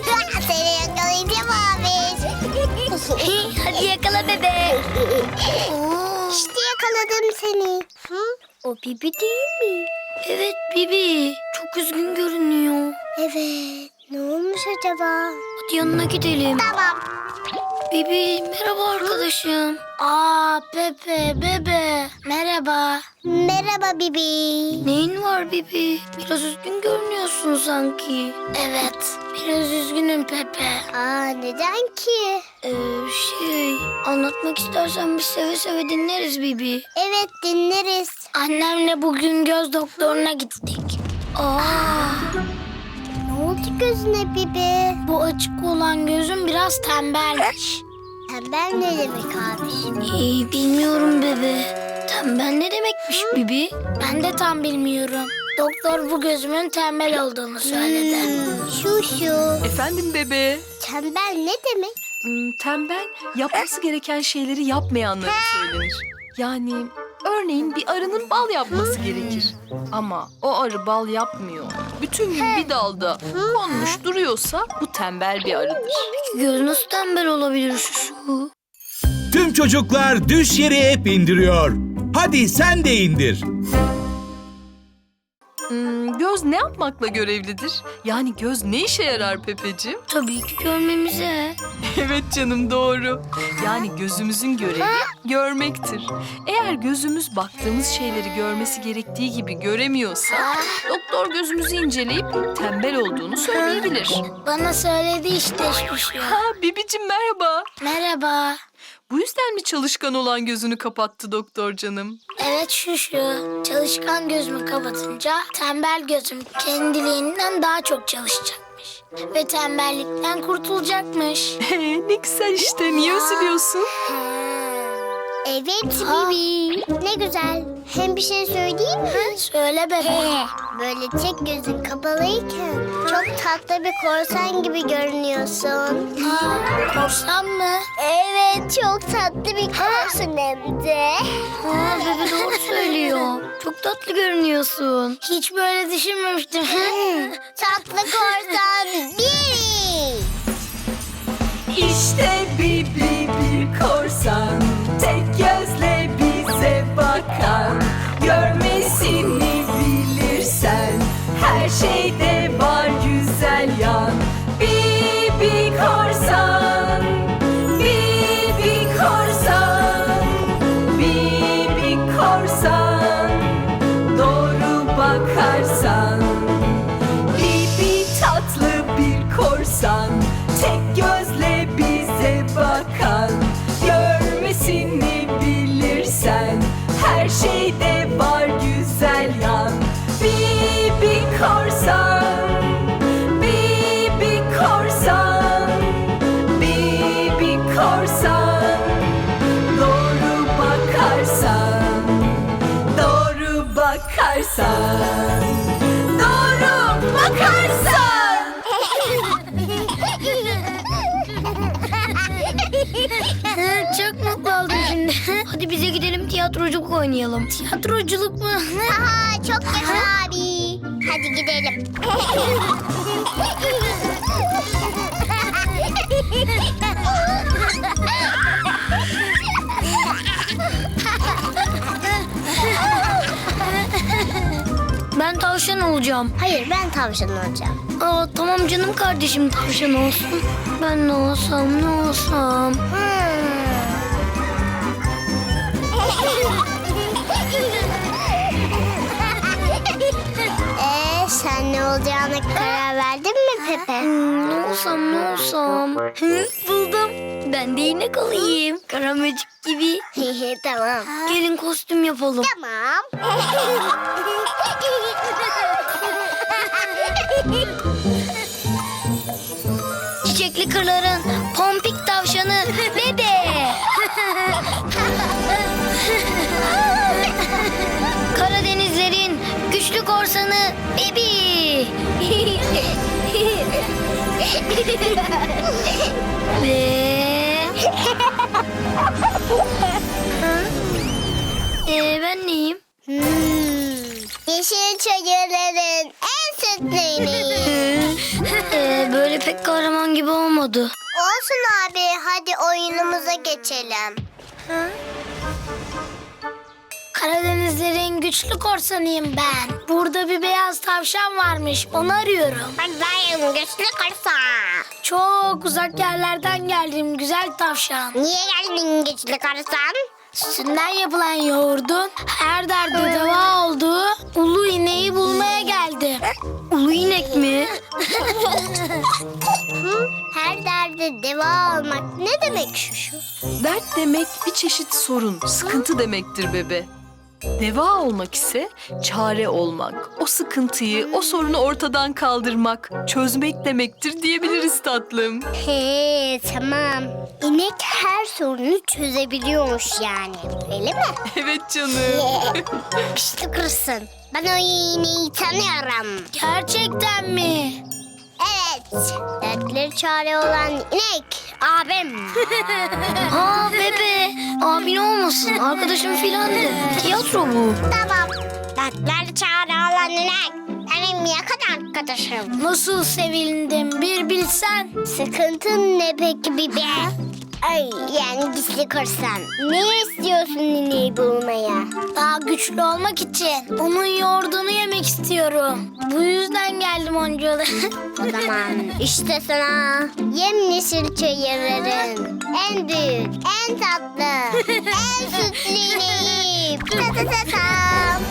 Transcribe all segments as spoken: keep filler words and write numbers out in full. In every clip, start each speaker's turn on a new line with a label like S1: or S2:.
S1: Seni yakalayacağım abi.
S2: Hadi yakala bebe.
S1: İşte yakaladım seni. Hı?
S2: O Bibi değil mi? Evet Bibi. Çok üzgün görünüyor.
S1: Evet. Ne olmuş acaba?
S2: Hadi yanına gidelim.
S1: Tamam.
S2: Bibi merhaba arkadaşım. Aa Pepe bebe. Merhaba.
S1: Merhaba Bibi.
S2: Neyin var Bibi? Biraz üzgün görünüyorsun sanki. Evet. Biraz üzgünüm Pepe.
S1: Aa, neden ki?
S2: Ee, şey anlatmak istersen biz seve seve dinleriz Bibi.
S1: Evet, dinleriz.
S2: Annemle bugün göz doktoruna gittik. Aa,
S1: Ne oldu gözüne Bibi?
S2: bu açık olan gözüm biraz tembelmiş.
S1: Tembel ne demek abi?
S2: İyi bilmiyorum bebe. Tembel ne demekmiş Bibi? Ben de tam bilmiyorum. Doktor bu gözümün tembel olduğunu söyledi.
S1: Hmm, şu şu.
S3: Efendim bebe.
S1: Tembel ne demek?
S3: Hmm, tembel yapması gereken şeyleri yapmayanlara söylenir. Yani örneğin bir arının bal yapması gerekir. Ama o arı bal yapmıyor. Bütün gün bir dalda konmuş duruyorsa bu tembel bir arıdır.
S2: Göz nasıl tembel olabilir şu?
S4: Tüm çocuklar Düş Yeri app indiriyor. Hadi sen de indir.
S3: Hmm, göz ne yapmakla görevlidir? Yani göz ne işe yarar Pepeciğim?
S2: Tabii ki görmemize.
S3: Evet canım doğru. Yani gözümüzün görevi görmektir. Eğer gözümüz baktığımız şeyleri görmesi gerektiği gibi göremiyorsa doktor gözümüzü inceleyip tembel olduğunu söyleyebilir.
S2: Bana söyledi işte şu.
S3: Ha Bibicim merhaba.
S2: Merhaba.
S3: Bu yüzden mi çalışkan olan gözünü kapattı doktor canım?
S2: Evet şu şu. Çalışkan gözümü kapatınca tembel gözüm kendiliğinden daha çok çalışacakmış. Ve tembellikten kurtulacakmış.
S3: ne güzel işte. Niye üzülüyorsun?
S1: Evet Bibi. Ne güzel. Hem bir şey söyleyeyim mi?
S2: Söyle bebe.
S1: Böyle tek gözün kapalıyken çok tatlı bir korsan gibi görünüyorsun.
S2: Aa, korsan mı?
S1: Evet, çok tatlı bir korsan hem de.
S2: Aa, bebe doğru söylüyor. Çok tatlı görünüyorsun. Hiç böyle düşünmemiştim.
S1: Tatlı korsan Bibi.
S3: İşte Bibi bir korsan, tek gözle bize bakan. Görmesini bilirsen, her şeyde var güzel yan. Bibi korsan, Bibi korsan, Bibi korsan, doğru bakarsan. Bibi tatlı bir korsan, tek gözle bize bakan. Görmesini bilirsen, her şeyde var güzel yan. Bibi korsan, Bibi korsan, Bibi korsan, doğru bakarsan, doğru bakarsan, doğru bakarsan.
S2: Çok mutlu oldum şimdi. Hadi bize gidelim tiyatroculuk oynayalım. Tiyatroculuk mu?
S1: Aha, çok yaşa abi. Hadi gidelim.
S2: Ben tavşan olacağım.
S1: Hayır, ben tavşan olacağım.
S2: Aa, tamam canım kardeşim tavşan olsun. Ben ne olsam ne olsam.
S1: Ee, sen ne olacağına karar verdin mi Pepe?
S2: Hmm, ne olsam ne olsam. Hı, buldum. Ben de inek olayım. Karamecik gibi.
S1: Tamam.
S2: Gelin kostüm yapalım.
S1: Tamam.
S2: Çiçekli kırların pompik tavşanı bebe. Karadenizlerin güçlü korsanı Bibi. Ve... ee, ben neyim?
S1: Hmm, yeşil çayırların en sütlü ineği.
S2: Ee, böyle öyle pek kahraman gibi olmadı.
S1: Olsun abi, hadi oyunumuza geçelim.
S2: Karadenizlerin güçlü korsanıyım ben. Burada bir beyaz tavşan varmış, onu arıyorum.
S1: Ben dayım, güçlü korsan.
S2: Çok uzak yerlerden geldim güzel tavşan.
S1: Niye geldin güçlü korsan?
S2: Sütünden yapılan yoğurdun her derde deva olduğu ulu ineği bulmaya geldim. Ulu inek mi?
S1: Her derde deva olmak ne demek şu şu?
S3: Dert demek bir çeşit sorun, sıkıntı demektir bebe. Deva olmak ise çare olmak, o sıkıntıyı, o sorunu ortadan kaldırmak, çözmek demektir diyebiliriz tatlım.
S1: He tamam. İnek her sorunu çözebiliyormuş yani. Öyle mi?
S3: Evet canım.
S1: Güçlü korsan. Ben o ineği tanıyorum.
S2: Gerçekten mi?
S1: Evet. Dertleri çare olan inek. Abim.
S2: Aa bebe, abin olmasın, arkadaşım filandı. Tiyatro bu.
S1: Tamam. Dertleri çare olan inek. Benim yakın arkadaşım.
S2: Nasıl sevindim bir bilsen.
S1: Sıkıntın ne peki bibe? Ay yani gizli korsan. Ne istiyorsun ineği bulmaya?
S2: Daha güçlü olmak için onun yoğurdunu yemek istiyorum. Bu yüzden geldim oncalı.
S1: O zaman işte sana yemyeşil çayırların en büyük, en tatlı, en sütlü ineği. Ta ta ta tam.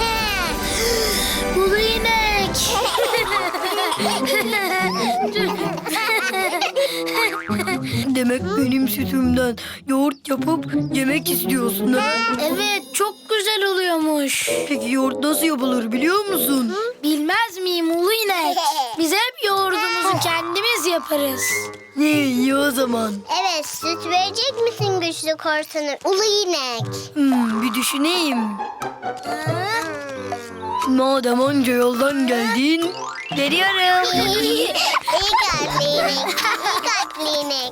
S2: Ulu inek.
S5: Demek benim sütümden yoğurt yapıp yemek istiyorsun ha?
S2: Evet, çok güzel oluyormuş.
S5: Peki yoğurt nasıl yapılır biliyor musun?
S2: Bilmez miyim ulu inek? Biz hep yoğurdumuzu kendimiz yaparız.
S5: Ne iyi o zaman?
S1: Evet, süt verecek misin güçlü korsanı? Ulu inek.
S5: Hmm, bir düşüneyim. Madem onca yoldan geldin, veriyorum.
S1: İyi kalpli inek. İyi kalpli inek.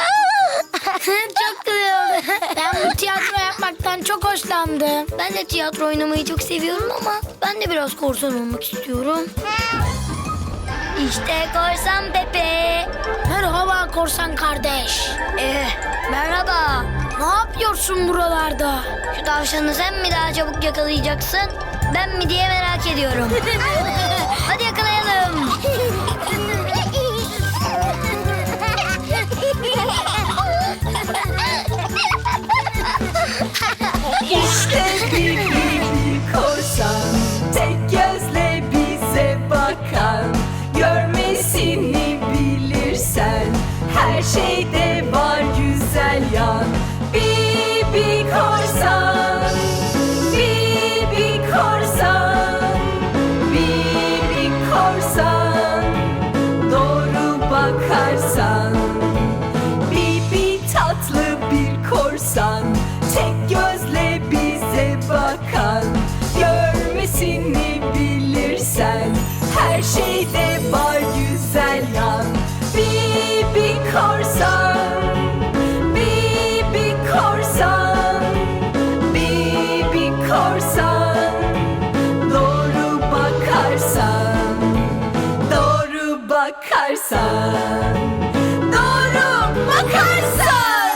S2: Çok güzel oldu. Ben bu tiyatro yapmaktan çok hoşlandım.
S5: Ben de tiyatro oynamayı çok seviyorum ama ben de biraz korsan olmak istiyorum. İşte korsan Pepe.
S2: Merhaba korsan kardeş.
S5: Eh, merhaba.
S2: Ne yapıyorsun buralarda?
S5: Şu tavşanı sen mi daha çabuk yakalayacaksın, ben mi diye merak ediyorum. Hadi yakalayalım.
S6: İşte bir bir korsan, tek gözle bize bakan. Görmesini bilirsen, her şeyde var güzel yan. Bibi korsan, Bibi korsan, Bibi korsan, doğru bakarsan. Bibi tatlı bir korsan, tek gözle bize bakan. Görmesini bilirsen, her şeyde var güzel yan. Bibi korsan, Bibi korsan, Bibi korsan, doğru bakarsan, doğru bakarsan, doğru bakarsan.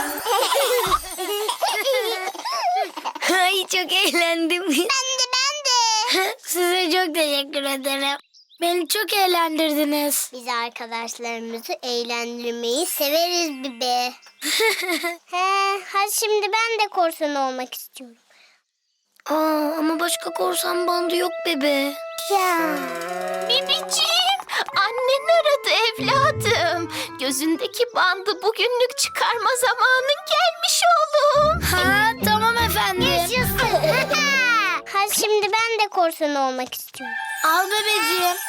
S5: Ay çok eğlendim.
S1: Ben de ben de.
S2: Size çok teşekkür ederim. Beni çok eğlendirdiniz.
S1: Biz arkadaşlarımızı eğlendirmeyi severiz bibe. He, hadi şimdi ben de korsan olmak istiyorum.
S5: Aa, ama başka korsan bandı yok bebe.
S1: Ya.
S7: Bibiciğim, annen aradı evladım. Gözündeki bandı bugünlük çıkarma zamanın gelmiş oğlum.
S2: Ha tamam efendim.
S1: Hadi şimdi ben de korsan olmak istiyorum.
S2: Al bebeciğim.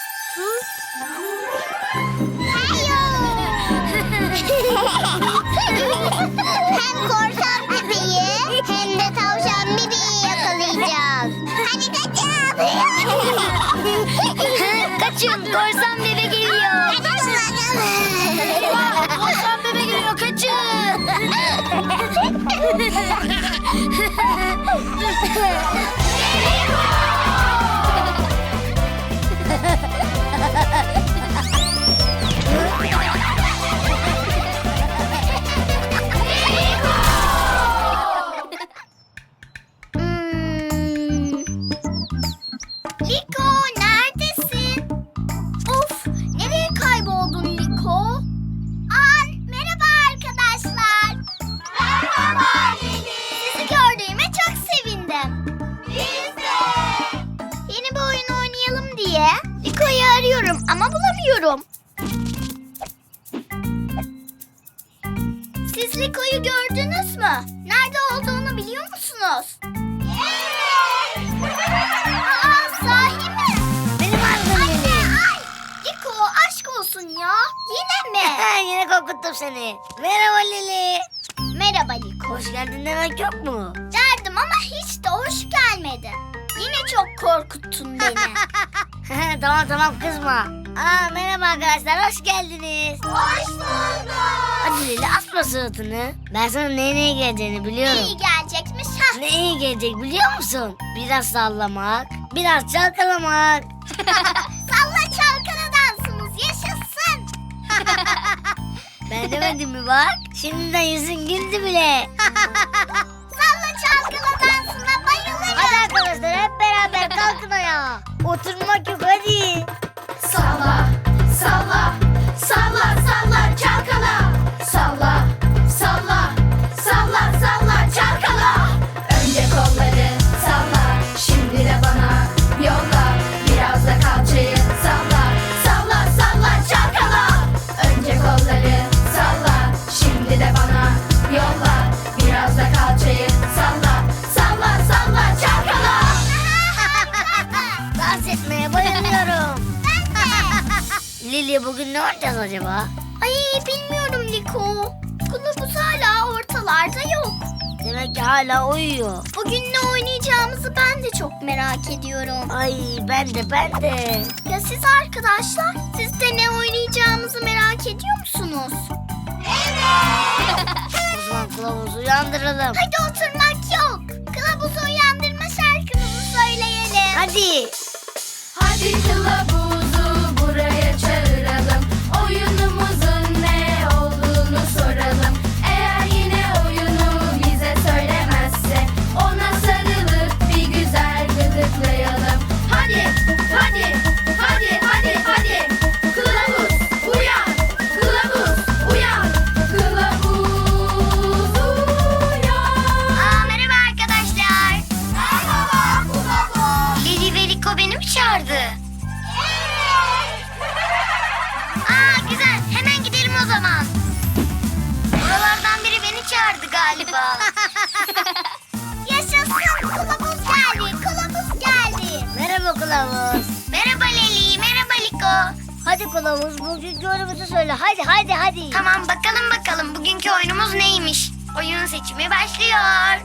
S1: Hem korsan bebeği hem de tavşan bebeği yakalayacağız. Hadi kaçın.
S5: Kaçın, korsan bebe geliyor.
S2: Eyvah, korsan bebe geliyor, kaçın.
S1: Siz Liko'yu gördünüz mü? Nerede olduğunu biliyor musunuz? Evet. Aa, sahi mi?
S5: Benim adım
S1: Anne,
S5: Lili.
S1: ay. Liko, aşk olsun ya. Yine mi?
S5: Yine korkuttum seni. Merhaba Lili.
S1: Merhaba Liko.
S5: Hoş geldin demek yok mu?
S1: Derdim ama hiç de hoş gelmedi. Yine çok korkuttun beni.
S5: Tamam tamam kızma. Aa, merhaba arkadaşlar, hoş geldiniz.
S1: Hoş bulduk.
S5: Hadi Lili, asma suratını. Ben sana neye neye geleceğini biliyorum.
S1: İyi gelecekmiş. Hah.
S5: Ne iyi gelecek biliyor musun? Biraz sallamak, biraz çalkalamak.
S1: Salla çalkala dansımız yaşasın.
S5: Ben demedim mi bak? Şimdiden yüzün güldü bile.
S1: Salla çalkala dansına bayılırım.
S5: Hadi arkadaşlar, hep beraber kalkın ayağa. Oturmak yok, hadi.
S7: Salla, salla, salla, salla, çalkala. Salla, salla, salla, salla, çalkala. Önce kolları salla, şimdi de bana yolla. Biraz da kalçayı salla, salla, salla, çalkala. Önce kolları salla, şimdi de bana yolla. Biraz da kalçayı salla, salla, salla, çalkala.
S5: Dans etmeye bayılıyorum. Lili, bugün ne oynayacağız acaba?
S1: Ay bilmiyorum Liko. Kılavuz hala ortalarda yok.
S5: Demek ki hala uyuyor.
S1: Bugün ne oynayacağımızı ben de çok merak ediyorum.
S5: Ay, ben de ben de.
S1: Ya siz arkadaşlar, siz de ne oynayacağımızı merak ediyor musunuz? Evet.
S5: O zaman kılavuzu uyandıralım.
S1: Hadi oturmak yok. Kılavuzu uyandırma şarkımızı söyleyelim.
S5: Hadi.
S7: Hadi kılavuzu buraya çağıralım. Oyunumuzun ne olduğunu soralım. Eğer yine oyunu bize söylemezse ona sarılıp bir güzel gıdıklayalım. Hadi, hadi, hadi, hadi, hadi. Kılavuz uyan, kılavuz uyan, kılavuz uyan.
S1: Aa, merhaba arkadaşlar. Merhaba kılavuz. Lili ve Liko beni mi çağırdı? Evet. Aa, güzel. Hemen gidelim o zaman. Buralardan biri beni çağırdı galiba. Yaşasın. Kılavuz geldi. Kılavuz geldi.
S5: Merhaba kılavuz.
S1: Merhaba Leli. Merhaba Liko.
S5: Hadi kılavuz, bugünkü oyunumuzu söyle. Hadi hadi hadi.
S1: Tamam, bakalım bakalım bugünkü oyunumuz neymiş? Oyun seçimi başlıyor.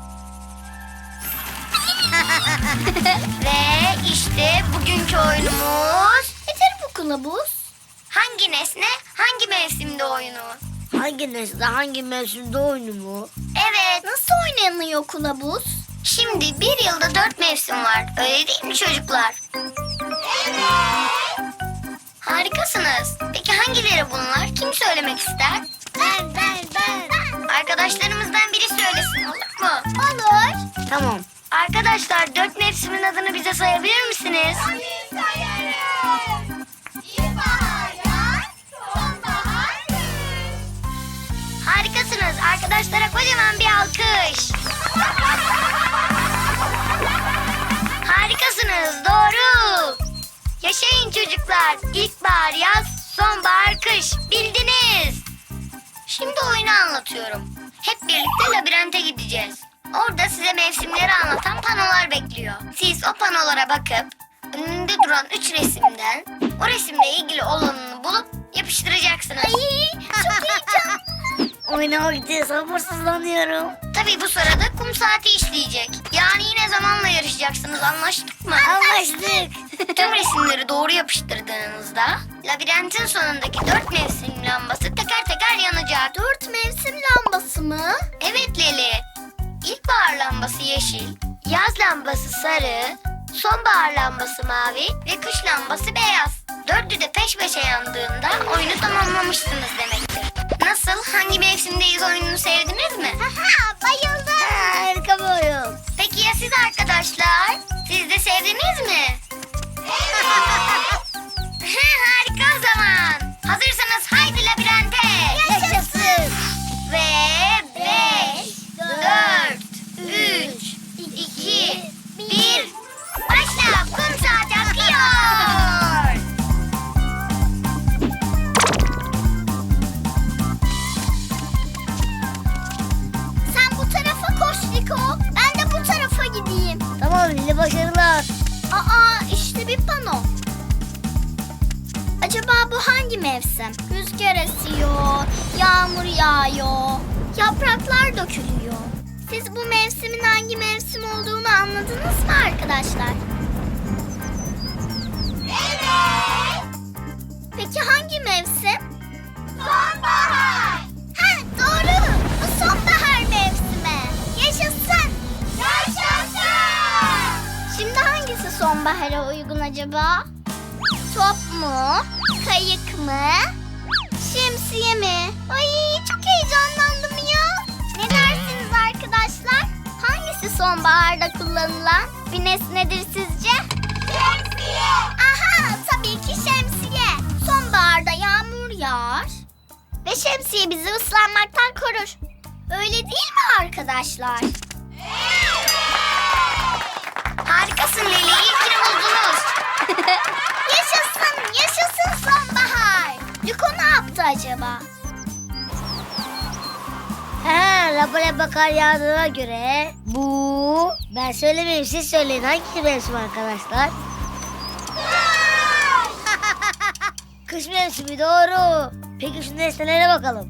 S1: Ve işte bugünkü oyunumuz... Nedir bu kılavuz? Hangi nesne hangi mevsimde oyunu?
S5: Hangi nesne hangi mevsimde oyunu mu?
S1: Evet. Nasıl oynanıyor kılavuz? Şimdi bir yılda dört mevsim var. Öyle değil mi çocuklar? Evet. Harikasınız. Peki hangileri bunlar? Kim söylemek ister?
S5: Ben ben ben.
S1: Arkadaşlarımızdan biri söylesin, olur mu? Olur.
S5: Tamam.
S1: Arkadaşlar, dört mevsimin adını bize sayabilir misiniz? Tabii sayarım. İlkbahar, yaz, sonbahar, kış. Harikasınız. Arkadaşlara kocaman bir alkış. Harikasınız. Doğru. Yaşayın çocuklar. İlkbahar, yaz, sonbahar, kış. Bildiniz. Şimdi oyunu anlatıyorum. Hep birlikte labirente gideceğiz. Orada size mevsimleri anlatan panolar bekliyor. Siz o panolara bakıp önünde duran üç resimden o resimle ilgili olanını bulup yapıştıracaksınız. Ay, çok heyecanlı.
S5: Oynamak için sabırsızlanıyorum.
S1: Tabii bu sırada kum saati işleyecek. Yani yine zamanla yarışacaksınız, anlaştık mı?
S5: Anlaştık.
S1: Tüm resimleri doğru yapıştırdığınızda labirentin sonundaki dört mevsim lambası teker teker yanacak. Dört mevsim lambası mı? Evet Leli. İlkbahar lambası yeşil, yaz lambası sarı, sonbahar lambası mavi ve kış lambası beyaz. Dördü de peş peşe yandığında oyunu tamamlamışsınız demektir. Nasıl? Hangi mevsimdeyiz oyununu sevdiniz mi? Bayıldım.
S5: Harika bir oyun.
S1: Peki ya siz arkadaşlar? Siz de sevdiniz mi? Evet. Harika o zaman. Hazırsanız haydi labirente.
S5: Yaşasın.
S1: Ve beş, dört, üç, iki, bir. Başla. Kum saati akıyor. bir pano. Acaba bu hangi mevsim? Rüzgar esiyor, yağmur yağıyor, yapraklar dökülüyor. Siz bu mevsimin hangi mevsim olduğunu anladınız mı arkadaşlar? Evet. Peki hangi mevsim? Sonbahar. Ha, doğru. Bu sonbahar mevsimi. Yaşasın. Yaşasın. Şimdi hangisi sonbahara uygun acaba? Top mu? Kayık mı? Şemsiye mi? Ay çok heyecanlandım ya. Ne dersiniz arkadaşlar? Hangisi sonbaharda kullanılan bir nesnedir sizce? Şemsiye. Aha, tabii ki şemsiye. Sonbaharda yağmur yağar ve şemsiye bizi ıslanmaktan korur. Öyle değil mi arkadaşlar? Harikasın Leli, iyi ki buldunuz. Yaşasın, yaşasın sonbahar. Liko ne yaptı acaba?
S5: Ha, rapora bakar yağdığına göre bu... Ben söylemeyeyim, siz söyleyin. Hangi mevsim arkadaşlar? Kış mevsimi, doğru. Peki şu nesnelere bakalım.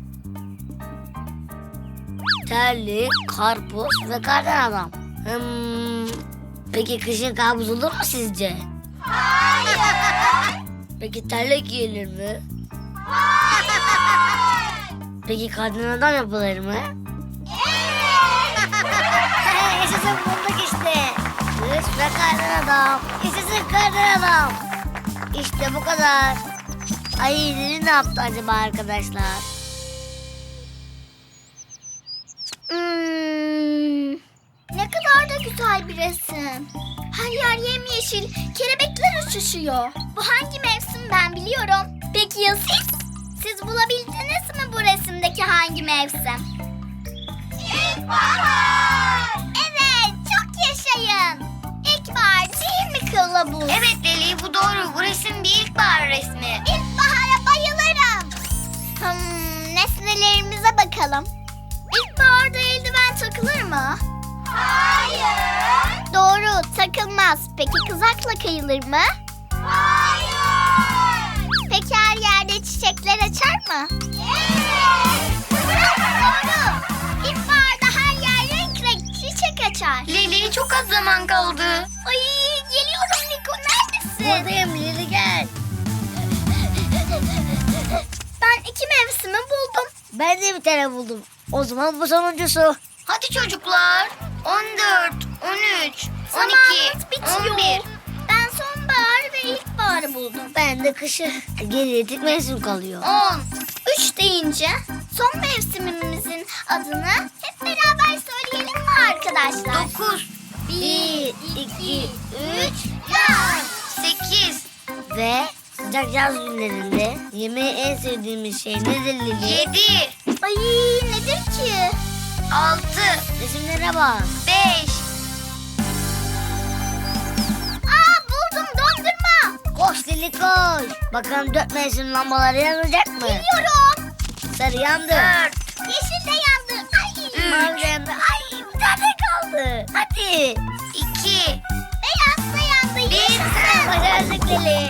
S5: Terlik, karpuz ve kardan adam. Hmm, peki kışın kabus olur mu sizce?
S1: Hayır.
S5: Peki terlik giyilir mi? Peki kardan adam yapılır mı?
S1: Evet.
S5: Yaşasın, bulduk işte. Kış ve kardan adam. Yaşasın kardan adam. İşte bu kadar. Ay Lili ne yaptı acaba arkadaşlar?
S1: Hmm, ne kadar da güzel bir resim. Her yer yemyeşil, kelebekler uçuşuyor. Bu hangi mevsim ben biliyorum. Peki ya siz? Siz bulabildiniz mi bu resimdeki hangi mevsim? İlkbahar. Evet, çok yaşayın. İlkbahar değil mi kılavuz? Evet Leli, bu doğru. Bu resim bir ilkbahar resmi. İlkbahara bayılırım. Hmm, nesnelerimize bakalım. İlkbaharda eldiven takılır mı? Hayır. Doğru, takılmaz. Peki kızakla kayılır mı? Hayır. Peki her yerde çiçekler açar mı? Evet. Doğru. İlkbaharda her yer renk renk çiçek açar. Leli, çok az zaman kaldı. Ay, geliyorum Liko, neredesin?
S5: Buradayım Lili, gel.
S1: Ben iki mevsimi buldum.
S5: Ben de bir tane buldum. O zaman bu sonuncusu.
S1: Hadi çocuklar. on dört, on üç, on iki, bitiyor. on bir. Ben sonbahar ve ilkbaharı buldum.
S5: Ben de kışı. Geriye tek mevsim kalıyor.
S1: on. üç deyince son mevsimimizin adını hep beraber söyleyelim mi arkadaşlar? dokuz.
S5: Bir, iki, üç.
S1: yaz. sekiz.
S5: Ve sıcak yaz günlerinde yemeği en sevdiğimiz şey nedir Lili?
S1: yedi. Ay, nedir ki? altı.
S5: Resimlere bak.
S1: beş. Aa, buldum, dondurma.
S5: Koş Lili koş. Bakalım dört mevsim lambaları yanacak mı?
S1: Biliyorum.
S5: Sarı yandı.
S1: dört. Yeşil de yandı. Ay.
S5: Mavi de yandı. Ay, bir tane kaldı. Hadi.
S1: iki. Beyaz da yandı.
S5: Bir.
S1: Yaşasın.
S5: Başardık Lili.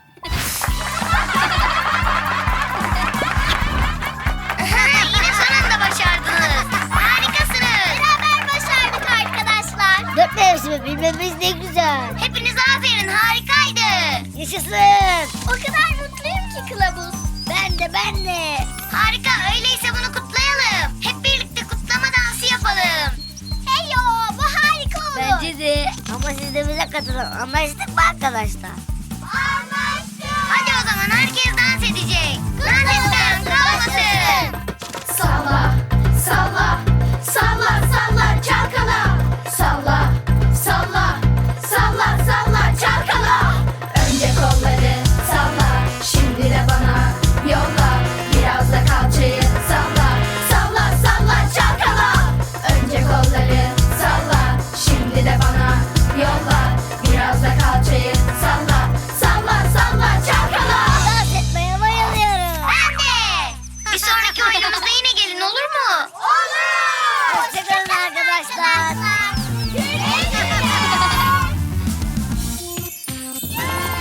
S1: Yine sonunda başardınız. Harikasınız. Beraber başardık arkadaşlar.
S5: Dört mevsimi bilmemiz ne güzel.
S1: Hepinize aferin, harikaydı.
S5: Yaşasın.
S1: O kadar mutluyum ki kılavuz.
S5: Ben de ben de.
S1: Harika, öyleyse bunu kutlayalım. Hep birlikte kutlama dansı yapalım. Heyo, bu harika olur.
S5: Bence de. Ama siz de bize katılın. Anlaştık mı arkadaşlar?
S1: Anlaştık. Hadi o zaman herkes dans edecek. Dans etmeyen kalmasın.
S7: Salla, salla, salla, salla, çalkala. Salla, salla, salla, salla, çalkala. Önce kolları salla, şimdi de bana yolla. Biraz da kalçayı salla, salla, salla, çalkala. Önce kolları salla, şimdi de bana yolla. Biraz da kalçayı salla, salla, salla, çalkala.
S5: Dans etmeye bayılıyorum.
S1: Ben de. Bir sonraki oyunumuzda yine gelin, olur mu? Olur.
S5: Hoşçakalın arkadaşlar.
S1: Güle güle.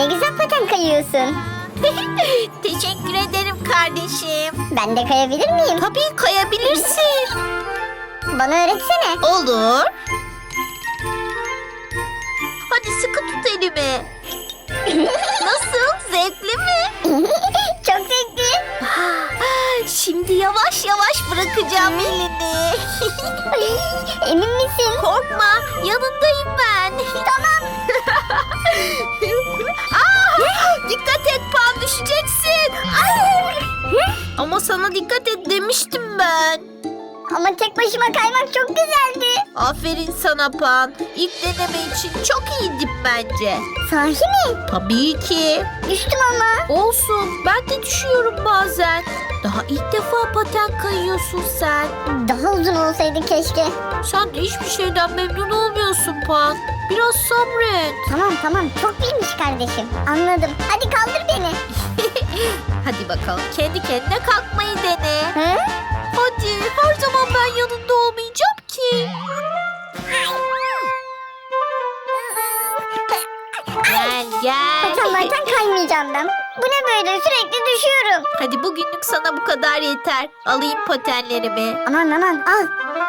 S5: Ne güzel paten kayıyorsun.
S8: Teşekkür ederim kardeşim.
S5: Ben de kayabilir miyim?
S8: Tabii kayabilirsin.
S5: Bana öğretsene.
S8: Olur. Hadi sıkı tut elimi. Nasıl? Zevkli mi?
S5: Çok zevkli.
S8: Şimdi yavaş yavaş bırakacağım elini.
S5: Emin misin?
S8: Korkma, yanındayım ben. Tamam. Aa, dikkat et Pan, düşeceksin. Ay. Ama sana dikkat et demiştim ben.
S5: Ama tek başıma kaymak çok güzeldi.
S8: Aferin sana Pan. İlk deneme için çok iyiydi bence.
S5: Sahi mi?
S8: Tabii ki.
S5: Düştüm ama.
S8: Olsun, ben de düşüyorum bazen. Daha ilk defa paten kayıyorsun sen.
S5: Daha uzun olsaydı keşke.
S8: Sen de hiçbir şeyden memnun olmuyorsun Pan. Biraz sabret.
S5: Tamam tamam çok bilmiş kardeşim. Anladım. Hadi kaldır beni.
S8: Hadi bakalım kendi kendine kalkmayı dene.
S5: Hı?
S8: Hadi, her zaman ben yanında olmayacağım ki. Gel gel.
S5: Patenlerden kaymayacağım ben. Bu ne böyle, sürekli düşüyorum.
S8: Hadi bugünlük sana bu kadar yeter. Alayım patenlerimi.
S5: Aman aman al.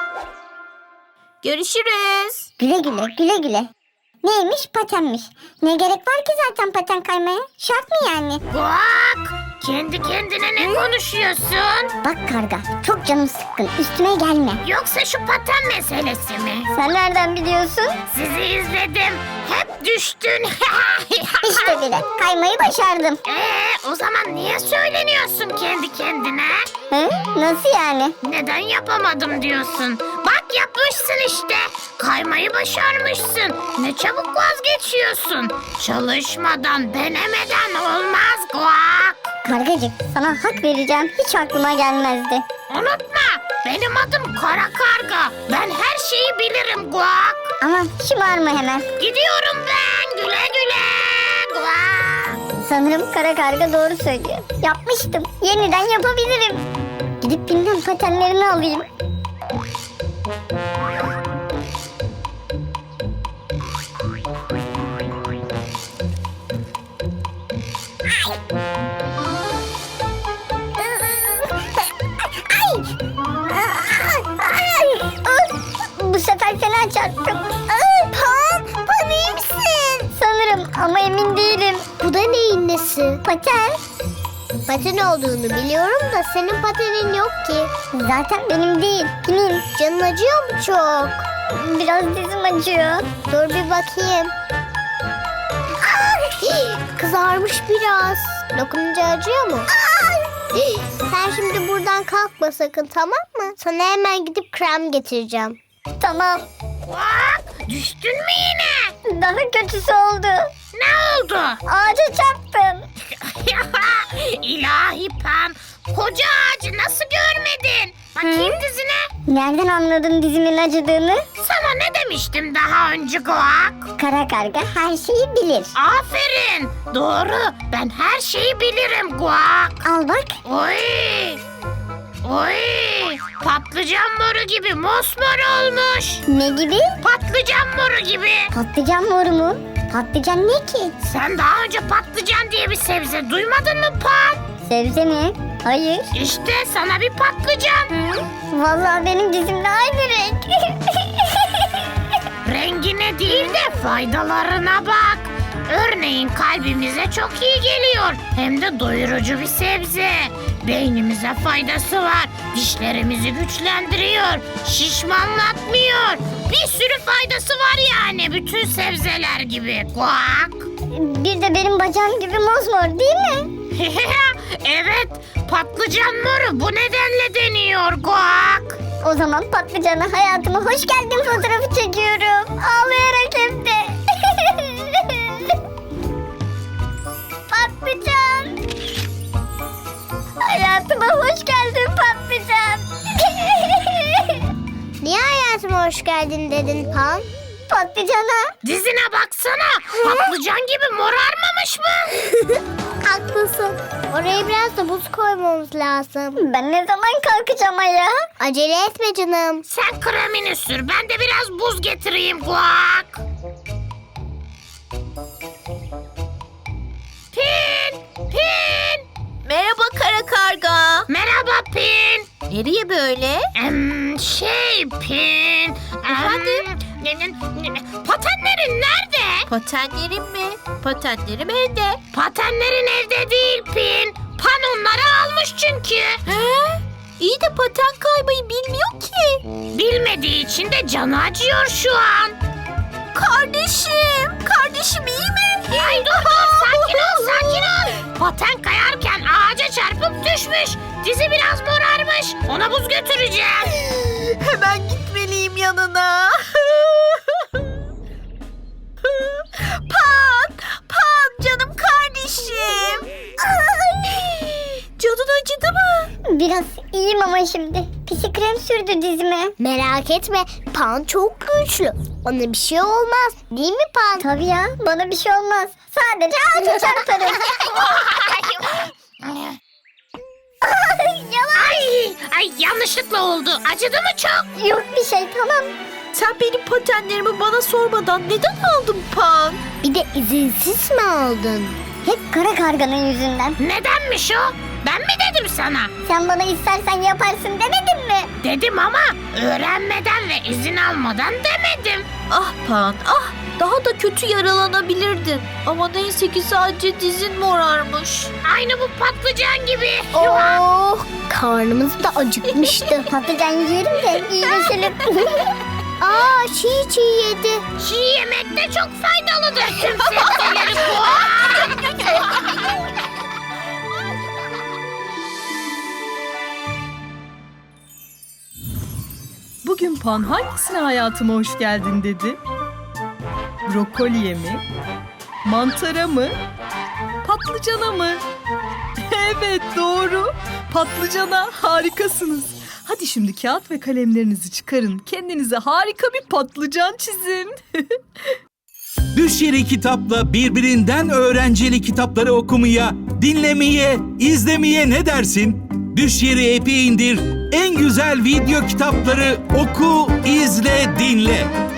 S8: Görüşürüz.
S5: Güle güle güle güle. Neymiş, patenmiş. Ne gerek var ki zaten paten kaymaya? Şart mı yani?
S7: Bak! Kendi kendine ne konuşuyorsun?
S5: Bak karga, çok canım sıkkın, üstüme gelme.
S7: Yoksa şu paten meselesi mi?
S5: Sen nereden biliyorsun?
S7: Sizi izledim. Hep düştün.
S5: İşte bile kaymayı başardım.
S7: Ee, o zaman niye söyleniyorsun kendi kendine?
S5: Hı? Nasıl yani?
S7: Neden yapamadım diyorsun? Bak yapmışsın işte. Kaymayı başarmışsın. Ne çabuk vazgeçiyorsun. Çalışmadan, denemeden olmaz Guak.
S5: Kargacık, sana hak vereceğim, hiç aklıma gelmezdi.
S7: Unutma, benim adım Kara Karga. Ben her şeyi bilirim Guak.
S5: Aman şımarma hemen.
S7: Gidiyorum ben. Güle güle Guak.
S5: Sanırım kara karga doğru söylüyor. Yapmıştım, yeniden yapabilirim. Gidip bilmem patenlerini alayım. Bu sefer fena çarptım. Pan, Pan iyi misin? Sanırım ama emin değilim. Bu da neyin nesi? Paten. Paten olduğunu biliyorum da senin patenin yok ki. Zaten benim değil, kimin? Canın acıyor mu çok? Biraz dizim acıyor. Dur bir bakayım. Kızarmış biraz. Dokununca acıyor mu? Sen şimdi buradan kalkma sakın, tamam mı? Sana hemen gidip krem getireceğim. Tamam.
S7: Guak, düştün mü yine?
S5: Daha kötüsü oldu.
S7: Ne oldu?
S5: Ağaca çarptım.
S7: İlahi Pan, koca ağacı nasıl görmedin? Bakayım dizine.
S5: Nereden anladın dizimin acıdığını?
S7: Sana ne demiştim daha önce Guak?
S5: Kara karga her şeyi bilir.
S7: Aferin. Doğru. Ben her şeyi bilirim Guak.
S5: Al bak.
S7: Oy. Oy. Patlıcan moru gibi mosmor olmuş.
S5: Ne gibi?
S7: Patlıcan moru gibi.
S5: Patlıcan moru mu? Patlıcan ne ki?
S7: Sen daha önce patlıcan diye bir sebze duymadın mı Pan?
S5: Sebze mi? Hayır.
S7: İşte sana bir patlıcan.
S5: Vallahi benim dizimle aynı renk.
S7: Rengine değil de faydalarına bak. Örneğin kalbimize çok iyi geliyor. Hem de doyurucu bir sebze. Beynimize faydası var. Dişlerimizi güçlendiriyor. Şişmanlatmıyor. Bir sürü faydası var yani bütün sebzeler gibi. Guak.
S5: Bir de benim bacağım gibi mosmor değil mi?
S7: Evet, patlıcan moru bu nedenle deniyor Guak.
S5: O zaman patlıcana hayatıma hoş geldin fotoğrafı çekiyorum. Ağlayarak hem de. Patlıcan. Hayatıma hoş geldin patlıcan. Niye hayatıma hoş geldin dedin Pan? Patlıcana.
S7: Dizine baksana, patlıcan gibi morarmamış mı?
S5: Haklısın. Oraya biraz da buz koymamız lazım. Ben ne zaman kalkacağım ayağa? Acele etme canım.
S7: Sen kremini sür, ben de biraz buz getireyim Guak.
S8: Nereye böyle?
S7: Em, şey Pin. Efendim? Patenlerin nerede?
S8: Patenlerim mi? Patenlerim evde.
S7: Patenlerin evde değil Pin. Pan onları almış çünkü.
S8: He? İyi de paten kaymayı bilmiyor ki.
S7: Bilmediği için de canı acıyor şu an.
S8: Kardeşim, kardeşim iyi mi?
S7: Ay dur dur sakin ol sakin ol. Paten kayarken ağaca çarpıp düşmüş. Dizi biraz morarmış. Ona buz götüreceğim.
S8: Hemen gitmeliyim yanına. Pan, Pan canım kardeşim. Canın acıdı mı?
S5: Biraz iyiyim ama şimdi. Pisi krem sürdü dizime. Merak etme. Pan çok güçlü. Ona bir şey olmaz. Değil mi Pan? Tabii ya. Bana bir şey olmaz. Sadece ağaca çarparım.
S7: Ay, ay yanlışlıkla oldu. Acıdı mı çok?
S5: Yok bir şey tamam.
S8: Sen benim patenlerimi bana sormadan neden aldın Pan?
S5: Bir de izinsiz mi aldın? Hep kara karganın yüzünden.
S7: Nedenmiş o? Ben mi dedim sana?
S5: Sen bana istersen yaparsın demedin mi?
S7: Dedim ama öğrenmeden ve izin almadan demedim.
S8: Ah Pan, ah daha da kötü yaralanabilirdin. Ama neyse ki sadece dizin morarmış.
S7: Aynı bu patlıcan gibi.
S5: Oh, karnımız da acıkmıştı. Patlıcan yiyelim de iyileşelim. Aa, çiğ çiğ yedi.
S7: Çiğ yemek de çok faydalıdır. Tüm sebzeleri bu.
S3: Bugün Pan hangisine hayatıma hoş geldin dedi? Brokoliye mi? Mantara mı? Patlıcana mı? Evet doğru. Patlıcana harikasınız. Hadi şimdi kağıt ve kalemlerinizi çıkarın. Kendinize harika bir patlıcan çizin.
S4: Düş Yeri Kitap'la birbirinden öğrenceli kitapları okumaya, dinlemeye, izlemeye ne dersin? Düş Yeri app'i indir, en güzel video kitapları oku, izle, dinle.